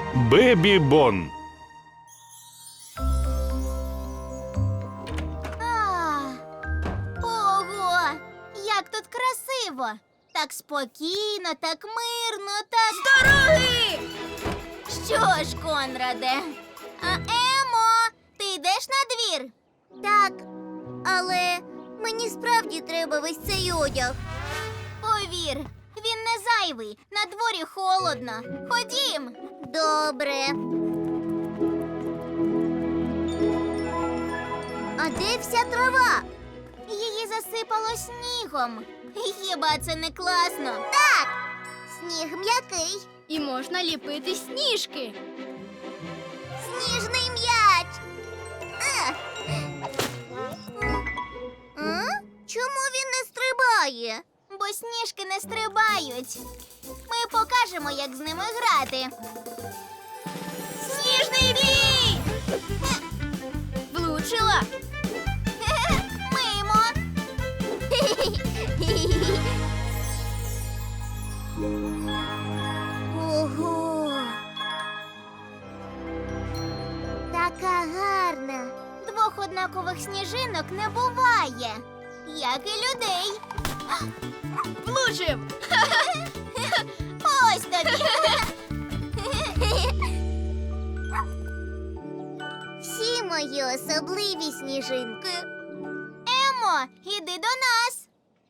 Бебі Бон. Ого! Як тут красиво! Так спокійно, так мирно, так... З дороги! Що ж, Конраде? Емо, ти йдеш на двір? Так, але мені справді треба весь цей одяг. Повір, він не зайвий, на дворі холодно. Ходім. Добре. А де вся трава? Її засипало снігом. Хіба це не класно? Так! Сніг м'який. І можна ліпити сніжки. Сніжний м'яч. Чому він не стрибає? Бо сніжки не стрибають. Ми покажемо, як з ними грати. Сніжний бій! Влучила. Мимо. Ого! Така гарна. Двох однакових сніжинок не буває, як і людей. Влучив. Ось тобі. Всі мої особливі сніжинки. Емо, іди до нас.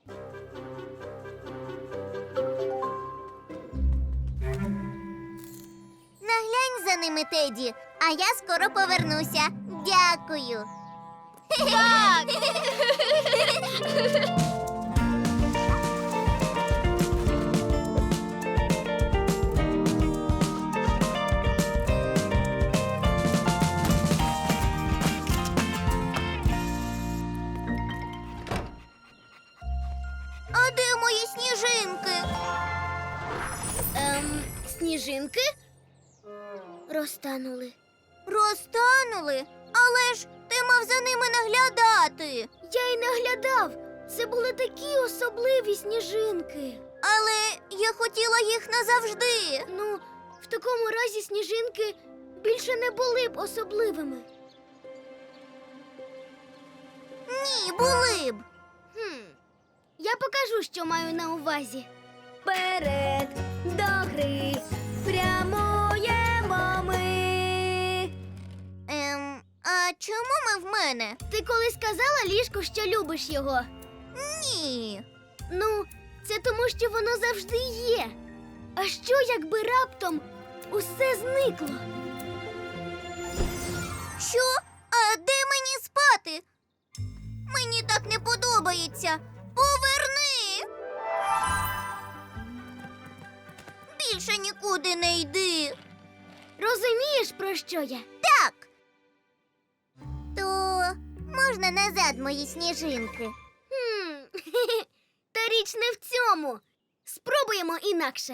Наглянь за ними, Теді, а я скоро повернуся. Дякую. Так. А де мої сніжинки? Сніжинки? Розтанули. Розтанули? Але ж ти мав за ними наглядати. Я й наглядав. Це були такі особливі сніжинки. Але я хотіла їх назавжди. Ну, в такому разі сніжинки більше не були б особливими. Ні, були б. Я покажу, що маю на увазі. Вперед до гри прямуємо ми. А чому ми в мене? Ти колись казала ліжку, що любиш його? Ні. Ну, це тому, що воно завжди є. А що, якби раптом усе зникло? Що? А де мені спати? Мені так не подобається. Поверни! Більше нікуди не йди. Розумієш, про що я? Так. То можна назад мої сніжинки? Та річ не в цьому. Спробуємо інакше.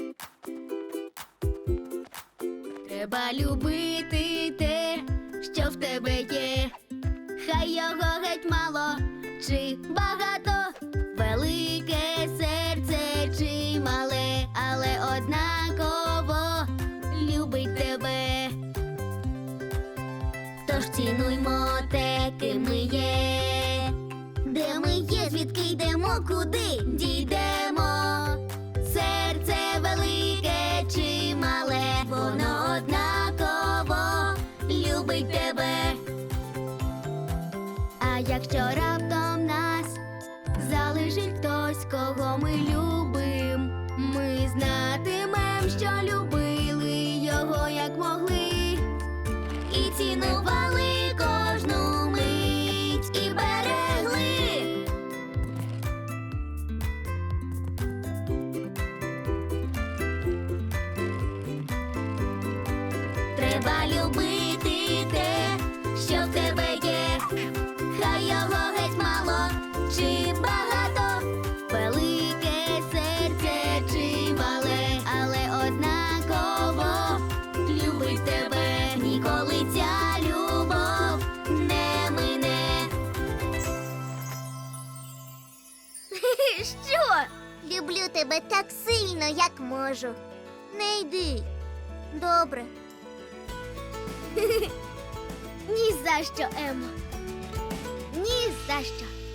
Треба любити те, що в тебе є. Хай його геть мало чи багато, велике серце чи мале, але однаково любить тебе. Тож цінуймо те, ким ми є. Де ми є, звідки йдемо, куди дійдемо? Серце велике чи мале, Воно однаково любить тебе. А якщо раптом нас залишить хтось, кого ми любим, ми знатимем, що любили його, як могли, і цінували кожну мить і берегли. Треба любити те, що в тебе є. Хай його геть мало чи багато, Велике серце чи мале, але однаково любить тебе. Ніколи ця любов не мине. Що? Люблю тебе так сильно, як можу. Не йди. Добре. Ні за що, Емо. Ні за що.